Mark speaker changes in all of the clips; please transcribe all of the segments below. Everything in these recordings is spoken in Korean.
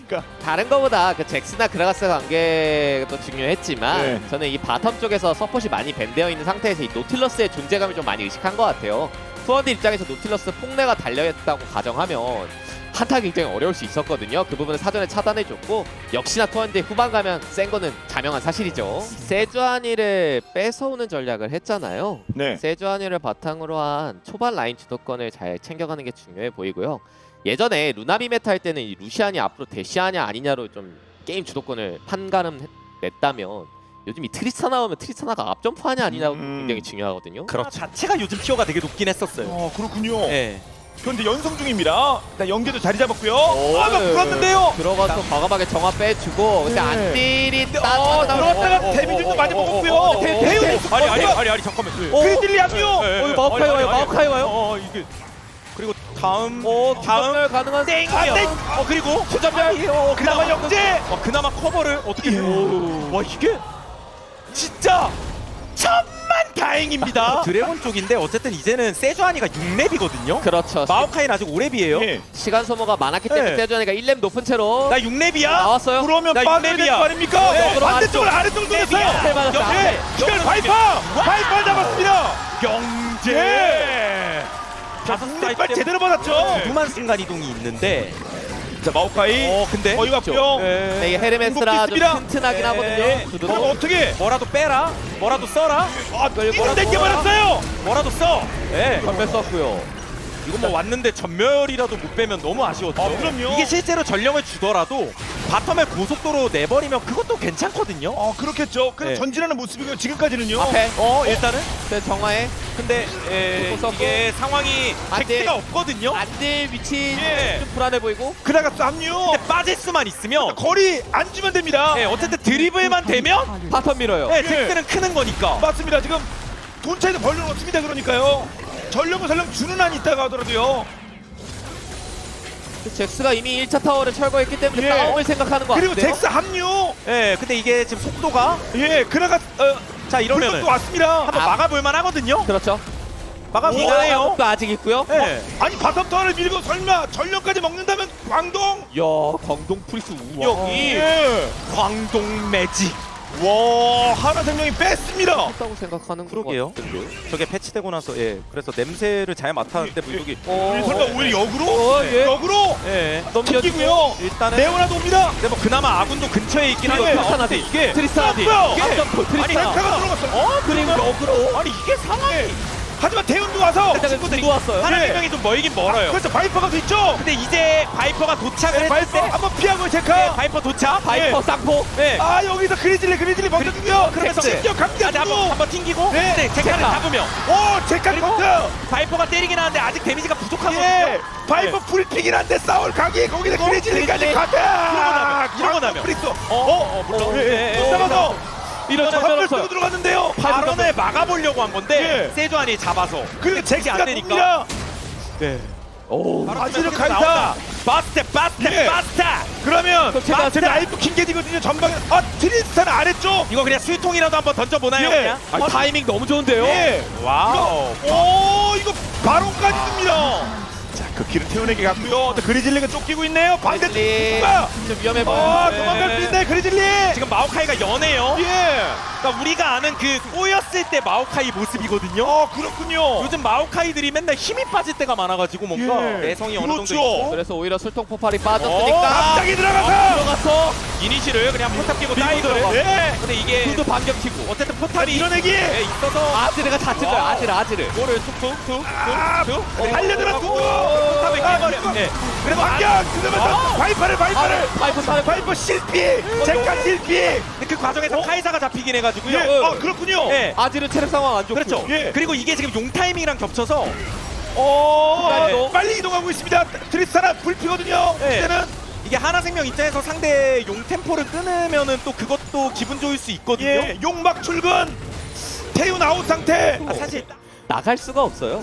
Speaker 1: 그러니까
Speaker 2: 다른 거보다 그 잭스나 그라가스 관계도 중요했지만
Speaker 1: 네.
Speaker 2: 저는 이 바텀 쪽에서 서폿이 많이 밴되어 있는 상태에서 이 노틸러스의 존재감을 좀 많이 의식한 것 같아요. 투원드 입장에서 노틸러스 폭내가 달려있다고 가정하면 한타가 굉장히 어려울 수 있었거든요. 그 부분을 사전에 차단해줬고 역시나 투원드의 후반 가면 센 거는 자명한 사실이죠. 세주아니를 뺏어오는 전략을 했잖아요.
Speaker 1: 네.
Speaker 2: 세주아니를 바탕으로 한 초반 라인 주도권을 잘 챙겨가는 게 중요해 보이고요. 예전에 루나비 메타 할 때는 이 루시안이 앞으로 대시하냐 아니냐로 좀 게임 주도권을 판가름 냈다면 요즘 이 트리스타 나오면 트리스타나가 앞점프하냐 아니냐가 굉장히 중요하거든요.
Speaker 3: 그렇죠. 자체가 요즘 티어가 되게 높긴 했었어요.
Speaker 1: 그렇군요.
Speaker 3: 네.
Speaker 1: 그런데 연성 중입니다. 일단 연계도 자리 잡았고요.
Speaker 2: 오,
Speaker 1: 막 불었는데요.
Speaker 2: 들어가서 과감하게 정화 빼주고 근데
Speaker 1: 네.
Speaker 2: 안딜이
Speaker 1: 들어왔다가 데미지도 많이 먹었고요. 태우도
Speaker 3: 아리 잠깐만.
Speaker 1: 그리즐리 합류.
Speaker 2: 마오카이 와요. 마오카이 와요.
Speaker 3: 이게 그리고 다음
Speaker 2: 다음 가능한
Speaker 3: 땡이요. 그리고
Speaker 2: 추전멸.
Speaker 1: 그나마 영재.
Speaker 3: 그나마 커버를 어떻게 와 이게
Speaker 1: 진짜 천만 다행입니다.
Speaker 3: 드래곤 쪽인데 어쨌든 이제는 세주아니가 6렙이거든요.
Speaker 2: 그렇죠.
Speaker 3: 마오카이는 아직 5렙이에요.
Speaker 1: 예.
Speaker 2: 시간 소모가 많았기 때문에
Speaker 3: 네.
Speaker 2: 세주아니가 1렙 높은 채로
Speaker 3: 나 6렙이야.
Speaker 2: 나왔어요.
Speaker 1: 그러면
Speaker 3: 나
Speaker 1: 빠져야 될 거
Speaker 3: 육렙이야.
Speaker 1: 아닙니까?
Speaker 3: 네.
Speaker 1: 반대쪽으로 아래쪽으로 돌렸어요.
Speaker 2: 네, 맞았다.
Speaker 1: 예. 이걸 바이퍼 잡았습니다.
Speaker 3: 영재.
Speaker 1: 자, 빨리 제대로 받았죠.
Speaker 3: 두만 순간 이동이 있는데
Speaker 1: 자, 마오카이.
Speaker 3: 근데
Speaker 1: 어이 왔고요.
Speaker 2: 네, 이게 헤르메스라 좀
Speaker 1: 있습니다.
Speaker 2: 튼튼하긴 하거든요.
Speaker 3: 그럼
Speaker 2: 구두로.
Speaker 1: 그럼 어떻게?
Speaker 3: 뭐라도 빼라. 뭐라도 써라.
Speaker 1: 이걸 땡겨버렸어요.
Speaker 3: 뭐라도 써. 예.
Speaker 2: 전멸 썼고요.
Speaker 3: 이거 뭐 왔는데 전멸이라도 못 빼면 너무 아쉬웠죠.
Speaker 1: 그럼요.
Speaker 3: 이게 실제로 전령을 주더라도 바텀에 고속도로 내버리면 그것도 괜찮거든요.
Speaker 1: 그렇겠죠. 그래서
Speaker 3: 네.
Speaker 1: 전진하는 모습이고요. 지금까지는요.
Speaker 2: 앞에
Speaker 3: 일단은
Speaker 2: 네, 정화에
Speaker 3: 근데
Speaker 2: 썼고.
Speaker 3: 이게 상황이
Speaker 2: 안 돼.
Speaker 3: 잭스가 없거든요.
Speaker 2: 안딜 위치
Speaker 3: 예.
Speaker 2: 좀 불안해 보이고.
Speaker 1: 그나가스 합류.
Speaker 3: 근데 빠질 수만 있으면
Speaker 1: 거리 안 주면 됩니다.
Speaker 3: 예, 어쨌든 드리블만 되면
Speaker 2: 바텀 밀어요.
Speaker 3: 예, 잭스는 크는 거니까.
Speaker 1: 맞습니다. 지금 돈 차이도 벌려놓습니다. 그러니까요. 전령은 설령 주는 한 있다가 하더라도요.
Speaker 2: 잭스가 이미 1차 타워를 철거했기 때문에
Speaker 1: 예.
Speaker 2: 싸움을 생각하는 거
Speaker 1: 그리고
Speaker 2: 같은데요?
Speaker 1: 잭스 합류.
Speaker 3: 예, 근데 이게 지금 속도가
Speaker 1: 그나가
Speaker 3: 자 이러면은
Speaker 1: 불도 왔습니다.
Speaker 3: 한번 막아볼 만하거든요.
Speaker 2: 그렇죠.
Speaker 3: 막아볼 만해요.
Speaker 2: 도 아직 있고요.
Speaker 3: 예.
Speaker 1: 아니 바텀 타워를 밀고 설마 전령까지 먹는다면 광동.
Speaker 2: 야, 광동 프리스 우영이
Speaker 3: 광동 매직.
Speaker 1: 와, 하나생명이 뺐습니다.
Speaker 2: 했다고 생각하는
Speaker 3: 그러게요.
Speaker 2: 것 같은데.
Speaker 3: 저게 패치되고 나서 그래서 냄새를 잘 맡았는데 물속이
Speaker 1: 우리 설마 오히려 역으로?
Speaker 2: 예.
Speaker 1: 역으로?
Speaker 3: 넘겨주고요.
Speaker 1: 튀기고요.
Speaker 3: 일단은
Speaker 1: 네오나도 옵니다.
Speaker 3: 근데 뭐 그나마 아군도 근처에 있긴
Speaker 1: 네.
Speaker 3: 하거든요.
Speaker 2: 트리스타나데
Speaker 3: 이게
Speaker 2: 트리스타나데
Speaker 1: 뭐야?
Speaker 2: 이게 트리스타나
Speaker 1: 셀카가 들어갔어.
Speaker 2: 그리고 역으로
Speaker 3: 아니 이게 상황이
Speaker 1: 하지만 대운도 와서
Speaker 2: 친구들이 왔어요.
Speaker 3: 하나 생명이 좀 멀긴 멀어요.
Speaker 1: 그래서 바이퍼가 뒤쪽.
Speaker 3: 근데 이제 바이퍼가 도착을 했을
Speaker 1: 바이퍼
Speaker 3: 때
Speaker 1: 한번 피하고 체카.
Speaker 3: 바이퍼 도착.
Speaker 2: 바이퍼 쌍포.
Speaker 3: 네.
Speaker 1: 여기서 그리즐리 먼저 뛰고요.
Speaker 3: 그러면서
Speaker 1: 진격 강자
Speaker 3: 한번 튕기고
Speaker 1: 네.
Speaker 3: 네, 제카를
Speaker 2: 제카.
Speaker 3: 잡으면
Speaker 1: 체카
Speaker 3: 그리고
Speaker 1: 커트.
Speaker 3: 바이퍼가 때리긴 하는데 아직 데미지가 부족하거든요.
Speaker 1: 예. 바이퍼 풀픽이긴 한데 싸울 각이 거기다 그리즐리까지
Speaker 2: 그리즐리.
Speaker 1: 커트.
Speaker 3: 이러고 나면.
Speaker 1: 프리스.
Speaker 3: 물론
Speaker 1: 잡아서
Speaker 2: 이런
Speaker 1: 전멸
Speaker 2: 전멸
Speaker 1: 쓰고 들어갔는데요.
Speaker 3: 발언을 막아보려고 한 건데
Speaker 1: 예.
Speaker 3: 세주안이 잡아서
Speaker 1: 그리고
Speaker 3: 안
Speaker 1: 잭스가
Speaker 3: 되니까.
Speaker 1: 옵니다.
Speaker 3: 네.
Speaker 2: 오.
Speaker 1: 아지르
Speaker 3: 나온다.
Speaker 1: 간다.
Speaker 3: 바스테
Speaker 1: 예. 그러면
Speaker 2: 그럼 제가
Speaker 1: 제 라이프 킹게디거든요. 전방에 트리스타는 아래쪽.
Speaker 3: 이거 그냥 수통이라도 한번 던져보나요?
Speaker 1: 예.
Speaker 3: 그냥?
Speaker 2: 아, 타이밍 너무 좋은데요.
Speaker 1: 예.
Speaker 3: 와우.
Speaker 1: 이거 바론까지 듭니다. 자, 그 길을 태우내게 갔고요. 또 그리즐리가 쫓기고 있네요. 반대쪽
Speaker 2: 그리즐리.
Speaker 1: 누가?
Speaker 2: 좀 위험해 보여.
Speaker 1: 도망갈 수 있네. 그리즐리.
Speaker 3: 지금 마오카이가 연해요.
Speaker 1: 예.
Speaker 3: 그러니까 우리가 아는 그 꼬였을 때 마오카이 모습이거든요.
Speaker 1: 그렇군요.
Speaker 3: 요즘 마오카이들이 맨날 힘이 빠질 때가 많아가지고 뭔가
Speaker 1: 예.
Speaker 3: 내성이 어느 정도
Speaker 1: 그렇죠.
Speaker 3: 있고
Speaker 2: 그래서 오히려 술통 폭발이 빠졌으니까
Speaker 1: 갑자기 들어가서.
Speaker 2: 들어가서
Speaker 3: 이니시를 그냥 포탑 끼고
Speaker 2: 밀고
Speaker 3: 따이거를.
Speaker 2: 들어가.
Speaker 1: 예.
Speaker 3: 근데 이게
Speaker 2: 구도 반격치고
Speaker 3: 어쨌든 포탑이
Speaker 1: 밀어내기.
Speaker 3: 있어서
Speaker 2: 아지르가 다 찔러요. 아지르.
Speaker 3: 이거를 툭툭툭툭툭
Speaker 1: 달려들었고.
Speaker 3: 포탑을 깨버려. 네.
Speaker 1: 그래서 반격. 그러면서 바이퍼를. 바이퍼 실패. 제카 실패.
Speaker 3: 근데 그 과정에서 카이사가 잡히긴 해가지고요.
Speaker 1: 예. 그렇군요.
Speaker 3: 예.
Speaker 2: 아지르 체력 상황 안 좋고.
Speaker 3: 그렇죠.
Speaker 1: 예.
Speaker 3: 그리고 이게 지금 용 타이밍이랑 겹쳐서
Speaker 2: 네.
Speaker 1: 빨리 이동하고 있습니다. 트리스타나 불피거든요.
Speaker 3: 네.
Speaker 1: 이제는
Speaker 3: 이게 하나생명 입장에서 상대 용 템포를 끊으면은 또 그것도 기분 좋을 수 있거든요.
Speaker 1: 용막 출근. 태운 아웃 상태.
Speaker 3: 사실
Speaker 2: 나갈 수가 없어요.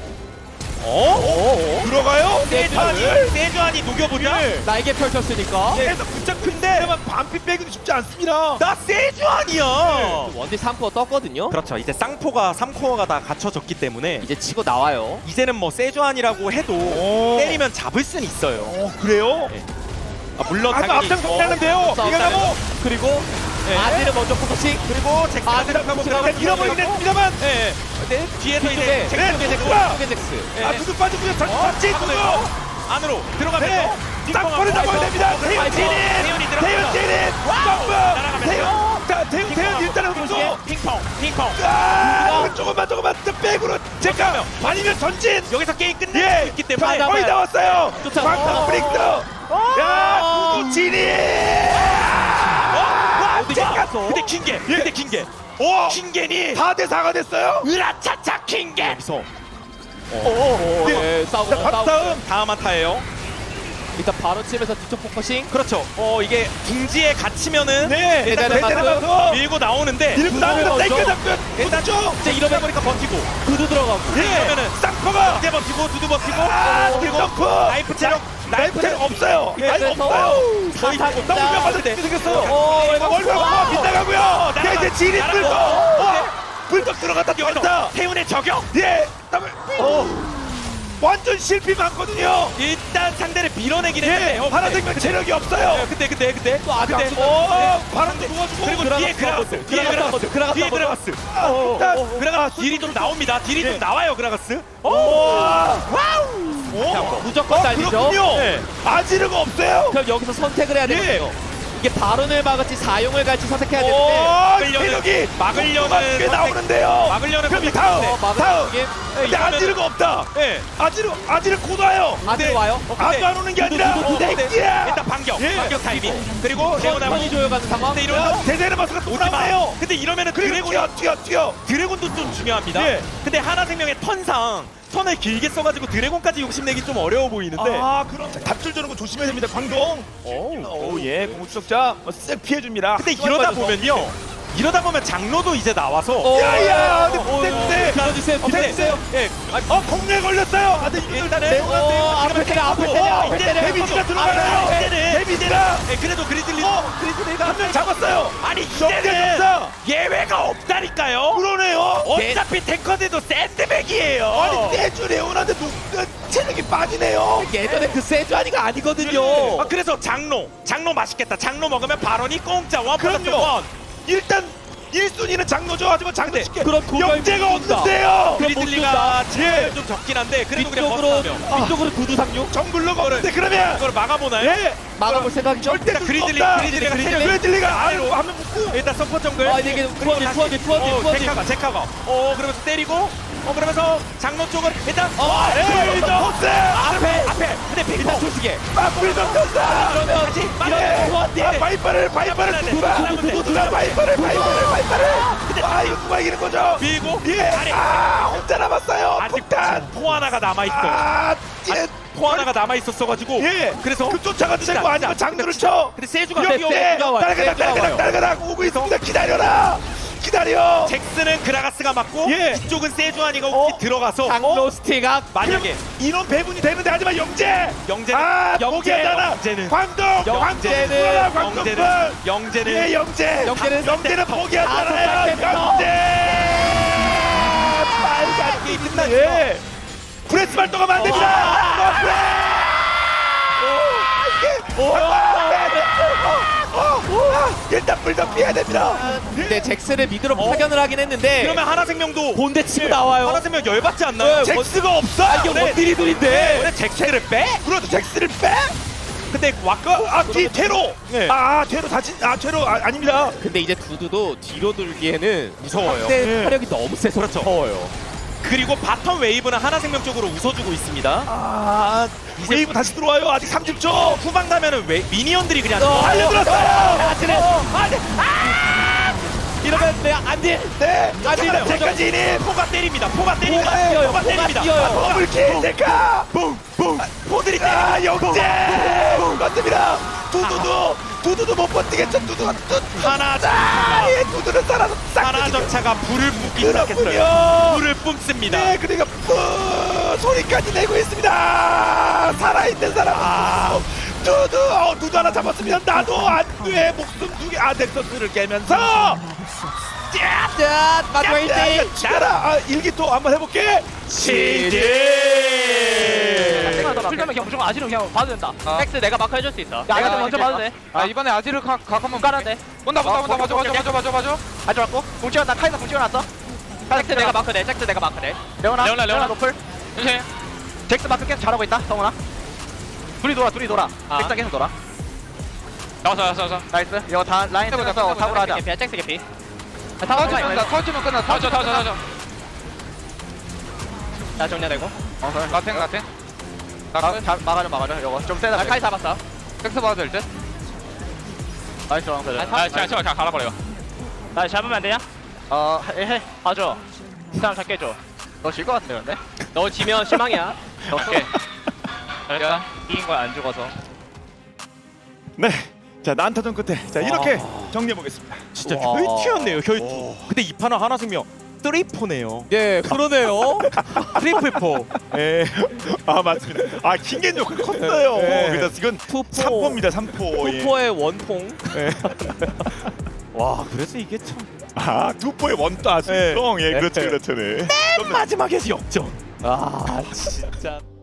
Speaker 1: 들어가요?
Speaker 3: 세주안이 녹여보자.
Speaker 2: 날개 펼쳤으니까.
Speaker 1: 그래서 붙잡 큰데 반피 빼기도 쉽지 않습니다.
Speaker 3: 나 세주안이야.
Speaker 2: 원딜 3코어 떴거든요.
Speaker 3: 그렇죠. 이제 쌍포가 3코어가 다 갖춰졌기 때문에
Speaker 2: 이제 치고 나와요.
Speaker 3: 이제는 뭐 세주안이라고 해도 때리면 잡을 수는 있어요.
Speaker 1: 그래요?
Speaker 3: 네. 물론
Speaker 1: 아주
Speaker 3: 당연히
Speaker 1: 앞장 서는데요.
Speaker 2: 싸움
Speaker 1: 이거
Speaker 2: 따르고.
Speaker 1: 뭐
Speaker 2: 그리고
Speaker 3: 예.
Speaker 2: 아지를 먼저 포커싱.
Speaker 3: 그리고 잭스가
Speaker 2: 아지를
Speaker 3: 들어가고
Speaker 2: 포커싱.
Speaker 1: 잃어버리긴 했습니다만.
Speaker 3: 예. 근데 뒤에서 이제
Speaker 2: 뒤쪽에
Speaker 3: 잭스
Speaker 1: 네,
Speaker 2: 잭스
Speaker 1: 누가?
Speaker 2: 쪽에 잭스.
Speaker 3: 예.
Speaker 1: 아 두두 빠지고요. 전지 두두.
Speaker 3: 안으로 들어가면서
Speaker 1: 네. 싹벌을 잡아야 됩니다. 태윤 진인.
Speaker 3: 태윤이
Speaker 1: 태윤 진인. 점프.
Speaker 3: 날아가면서.
Speaker 1: 태윤 일단은 흡수.
Speaker 3: 핑퐁
Speaker 1: 조금만 백으로 제가 아니면 전진.
Speaker 3: 여기서 게임 끝낼
Speaker 1: 예.
Speaker 3: 수 있기 때문에
Speaker 2: 자,
Speaker 1: 거의 다 왔어요.
Speaker 2: 쫓아.
Speaker 1: 광탄 브릭스. 야 두두 진인.
Speaker 2: 어디
Speaker 1: 제가
Speaker 2: 갔어?
Speaker 3: 근데 킹게
Speaker 1: 오.
Speaker 3: 킹겐이
Speaker 1: 4대 4가 됐어요.
Speaker 3: 으라차차 킹겐 여기서
Speaker 2: 네, 싸우고
Speaker 3: 다음 한타예요.
Speaker 2: 일단 바로 치면서 뒤쪽 포커싱.
Speaker 3: 그렇죠. 이게 둥지에 갇히면은
Speaker 1: 네.
Speaker 2: 일단은
Speaker 1: 대단한
Speaker 2: 맞고.
Speaker 1: 거.
Speaker 3: 밀고 나오는데
Speaker 1: 밀고 나오면
Speaker 2: 먼저.
Speaker 1: 땡겨 잡면
Speaker 3: 일단
Speaker 1: 쭉.
Speaker 3: 이제 이러다 보니까 버티고
Speaker 2: 구두 들어가고.
Speaker 3: 이러면은
Speaker 1: 쌍커가.
Speaker 3: 이제 버티고 두두 버티고
Speaker 1: 그리고 점프.
Speaker 3: 나이프 체력
Speaker 1: 나이프 체력 없어요.
Speaker 3: 예,
Speaker 1: 나이프
Speaker 2: 그래서
Speaker 1: 없어요.
Speaker 3: 거의
Speaker 2: 사사
Speaker 1: 너무
Speaker 2: 진짜.
Speaker 1: 뼈 맞을 때 생겼어요.
Speaker 2: 월급
Speaker 1: 월급 빗나가고요. 이제 진이
Speaker 3: 날아가.
Speaker 1: 불떡. 불떡 들어갔다
Speaker 3: 여기서
Speaker 1: 들어갔다.
Speaker 3: 태훈의 저격
Speaker 1: 예. 그다음에 완전 실패 많거든요.
Speaker 3: 일단 상대를 밀어내긴 했는데
Speaker 1: 예. 파란색면 체력이 없어요.
Speaker 3: 근데
Speaker 2: 또 아직
Speaker 3: 근데
Speaker 2: 안 죽어.
Speaker 1: 파란색 도와주고.
Speaker 3: 그리고 뒤에 그라가스 뒤에 그라가스 그라가스 딜이 좀 나옵니다. 딜이 좀 나와요 그라가스.
Speaker 1: 와우.
Speaker 2: 무조건 달리죠.
Speaker 1: 그렇군요.
Speaker 3: 네.
Speaker 1: 아지르가 없어요.
Speaker 2: 그럼 여기서 선택을 해야 되거든요. 이게 발언을 막을지 사용을 갈지 선택해야 되는데.
Speaker 1: 오, 체력이
Speaker 3: 막으려는
Speaker 1: 꽤 나오는데요.
Speaker 3: 막으려는
Speaker 1: 그럼
Speaker 3: 선택.
Speaker 1: 다음
Speaker 3: 네,
Speaker 1: 다음.
Speaker 2: 이게
Speaker 1: 근데 아지르가 없다.
Speaker 3: 예.
Speaker 1: 아지르 곧 와요.
Speaker 2: 아들 와요.
Speaker 1: 아주 안 오는 게 아니라 땡기야.
Speaker 3: 일단 반격
Speaker 1: 예.
Speaker 3: 반격 타이밍 그리고 레오나무
Speaker 2: 천이 조여가는 상황.
Speaker 3: 근데 이러면
Speaker 1: 대세르 마스가 또
Speaker 3: 오지 마.
Speaker 1: 나와요.
Speaker 3: 근데 이러면은
Speaker 1: 그리고
Speaker 3: 드래곤
Speaker 1: 튀어.
Speaker 3: 드래곤도 좀 중요합니다.
Speaker 1: 예.
Speaker 3: 근데 하나생명의 턴상 턴을 길게 써가지고 드래곤까지 욕심내기 좀 어려워 보이는데.
Speaker 1: 아 그럼 답줄 주는 거 조심해야 됩니다. 광동. 오예 공수적자 쓱 피해줍니다.
Speaker 3: 근데 이러다 보면 장로도 이제 나와서
Speaker 1: 야야. 근데
Speaker 2: 들어주세요. 들어주세요.
Speaker 3: 예.
Speaker 1: 공략 걸렸어요. 아, 근데
Speaker 3: 일단은
Speaker 2: 앞에 때려, 앞에 때려, 앞에 때려.
Speaker 1: 데미지가 들어가요. 데미지가
Speaker 3: 그래도 그리즐리
Speaker 1: 한 명 잡았어요.
Speaker 3: 아니
Speaker 1: 정대
Speaker 3: 이제는
Speaker 1: 점사.
Speaker 3: 예외가 없다니까요.
Speaker 1: 그러네요.
Speaker 3: 어차피 탱커들도 샌드백이에요.
Speaker 1: 아니 세주 레오나한테 체력이 빠지네요.
Speaker 2: 예전에 그 세주아니가 아니거든요.
Speaker 3: 아, 그래서 장로 맛있겠다. 장로 먹으면 발언이 공짜 원 플러스
Speaker 1: 그럼요.
Speaker 3: 원.
Speaker 1: 일단 1순위는 장로죠. 하지만 장로 쉽게
Speaker 2: 그럼 도저히
Speaker 1: 영재가
Speaker 2: 못 둔다.
Speaker 1: 없는데요.
Speaker 3: 그리즐리가
Speaker 1: 예.
Speaker 3: 좀 적긴 한데 그래도 그냥
Speaker 2: 위쪽으로
Speaker 3: 버텨면
Speaker 2: 위쪽으로 구두 상륙
Speaker 1: 정글러가 없는데 그러면
Speaker 3: 이걸 막아보나요?
Speaker 1: 예.
Speaker 2: 막아볼 생각이죠.
Speaker 1: 절대
Speaker 3: 일단 그리즐리가
Speaker 1: 그리즐리가 아래로 하면 묶고
Speaker 3: 일단 서포 정글.
Speaker 2: 아 이게 투어지.
Speaker 3: 제카가. 그러면서 때리고. 그러면서 장로 쪽은 일단.
Speaker 1: 에이 포스
Speaker 3: 앞에. 근데
Speaker 2: 일단
Speaker 3: 빅터.
Speaker 2: 솔직히
Speaker 1: 막불도 떴다.
Speaker 2: 그러면
Speaker 3: 다시
Speaker 2: 이런 투어지.
Speaker 1: 바이퍼를 누가 바이퍼를 아 이거 누가 이기는 거죠?
Speaker 3: 밀고.
Speaker 1: 예.
Speaker 3: 아래.
Speaker 1: 혼자 남았어요.
Speaker 3: 아직
Speaker 1: 폭탄.
Speaker 3: 포 하나가 남아 있어.
Speaker 1: 예.
Speaker 3: 포 하나가 남아 있었어가지고.
Speaker 1: 예.
Speaker 3: 그래서
Speaker 1: 그 쫓아가도 되고 아니면 장르를 쳐.
Speaker 3: 근데 세주가
Speaker 1: 역대 딸그닥 오고 있습니다. 기다려.
Speaker 3: 잭스는 그라가스가 맞고
Speaker 1: 예.
Speaker 3: 이쪽은 세주아니가 혹시 들어가서
Speaker 2: 장로 스티가
Speaker 3: 만약에
Speaker 1: 이런 배분이 되는데 하지만 영재는
Speaker 3: 영재는
Speaker 1: 광동
Speaker 3: 영재는
Speaker 1: 영재는 포기하잖아요. 영재 빨간 게 끝났죠. 프레스 발동하면 안 됩니다. 일단 불도 피해야 됩니다.
Speaker 2: 근데 잭스를 미드로 파견을 하긴 했는데
Speaker 3: 그러면 하나생명도
Speaker 2: 본대 치고 나와요.
Speaker 3: 하나생명 열받지 않나요?
Speaker 2: 네,
Speaker 1: 잭스가 없어.
Speaker 2: 이게 원딜이 둘인데
Speaker 3: 원래 잭스를 빼?
Speaker 1: 그렇죠. 잭스를 빼.
Speaker 3: 근데 와까
Speaker 1: 뒤 퇴로.
Speaker 3: 네.
Speaker 1: 퇴로 다친. 퇴로 아닙니다.
Speaker 2: 근데 이제 두두도 뒤로 돌기에는
Speaker 3: 무서워요.
Speaker 2: 상대
Speaker 1: 네.
Speaker 2: 화력이 너무 세서
Speaker 3: 그렇죠.
Speaker 2: 무서워요.
Speaker 3: 그리고 바텀 웨이브는 하나생명 쪽으로 웃어주고 있습니다.
Speaker 1: 웨이브 다시 들어와요. 아직 30초.
Speaker 3: 후방 가면은 미니언들이 그냥
Speaker 1: 달려들었어요.
Speaker 2: 이러면 내가 안 돼.
Speaker 1: 네.
Speaker 2: 아직은
Speaker 1: 제까지 인인.
Speaker 3: 포가 때립니다.
Speaker 2: 포가 뛰어요. 포가 뛰어요.
Speaker 1: 더블킬 제카.
Speaker 3: 붕붕 포들이
Speaker 1: 영재. 맞습니다. 두두도 못 버티겠죠.
Speaker 3: 하나
Speaker 1: 예, 두두는 살아서
Speaker 3: 하나 전차가 불을 뿜기 시작했어요.
Speaker 1: 그렇군요.
Speaker 3: 불을 뿜습니다.
Speaker 1: 네, 그러니까 소리까지 내고 있습니다. 살아있는 사람. 두두 하나 잡았습니다. 나도 안돼 목숨 2개. 넥서스를 깨면서.
Speaker 2: 짠! 마지막 1대1!
Speaker 1: 죽여라. 일기토 한번 해볼게.
Speaker 3: 시제.
Speaker 4: 풀면 그냥 무조건 아지르 그냥 봐도 된다.
Speaker 5: 텍스 내가 마크 해줄 수 있어.
Speaker 4: 야 아지르 먼저 봐도 돼.
Speaker 5: 아 이번에 아지르 각 한번
Speaker 4: 까는데.
Speaker 5: 본다 봐줘
Speaker 4: 아지르 왔고. 공 찍어놨다. 카이사 공 찍어놨어.
Speaker 5: 텍스 내가 마크돼 텍스 내가 마크돼
Speaker 4: 레오나 노플. 잭스 마크 계속 잘하고 있다. 성훈아. 둘이 돌아. 잭스 계속 돌아.
Speaker 5: 나왔어
Speaker 4: 나이스. 이거 다 라인 찍어서 사고로 하자.
Speaker 5: 개피야 텍스 개피
Speaker 4: 터치면
Speaker 5: 끝나 터져
Speaker 4: 자 정리되고.
Speaker 5: 라탱
Speaker 4: 막아줘. 이거 좀 세다.
Speaker 5: 카이 잡았어
Speaker 4: 잭스 봐도 될 듯. 나이스 랑들.
Speaker 5: 제가 갈아버려
Speaker 4: 나 잡으면 안 되냐? 해. 봐줘. 이 사람 잡게 해줘. 너 질 것 같아 근데.
Speaker 5: 너 지면 실망이야
Speaker 4: 오케이.
Speaker 5: 잘했다
Speaker 4: 이긴 거야 안 죽어서.
Speaker 1: 네. 자 난타전 끝에 자 이렇게 정리해 보겠습니다.
Speaker 3: 진짜
Speaker 2: 와.
Speaker 3: 혈투였네요 혈투. 근데 이 판은 하나 승명 3포네요.
Speaker 2: 예, 그러네요.
Speaker 3: 트리플 포.
Speaker 1: 예. 아 맞습니다. 아 킹겐 요크 컸어요.
Speaker 2: 예.
Speaker 1: 그래서 이건
Speaker 2: 투포.
Speaker 1: 3포입니다. 3포. 예.
Speaker 2: 투포의 원퐁.
Speaker 3: 와 그래서 이게 참.
Speaker 1: 아 2포의 원따 승성. 예, 그렇죠. 네.
Speaker 3: 마지막에 역전.
Speaker 2: 아, 진짜.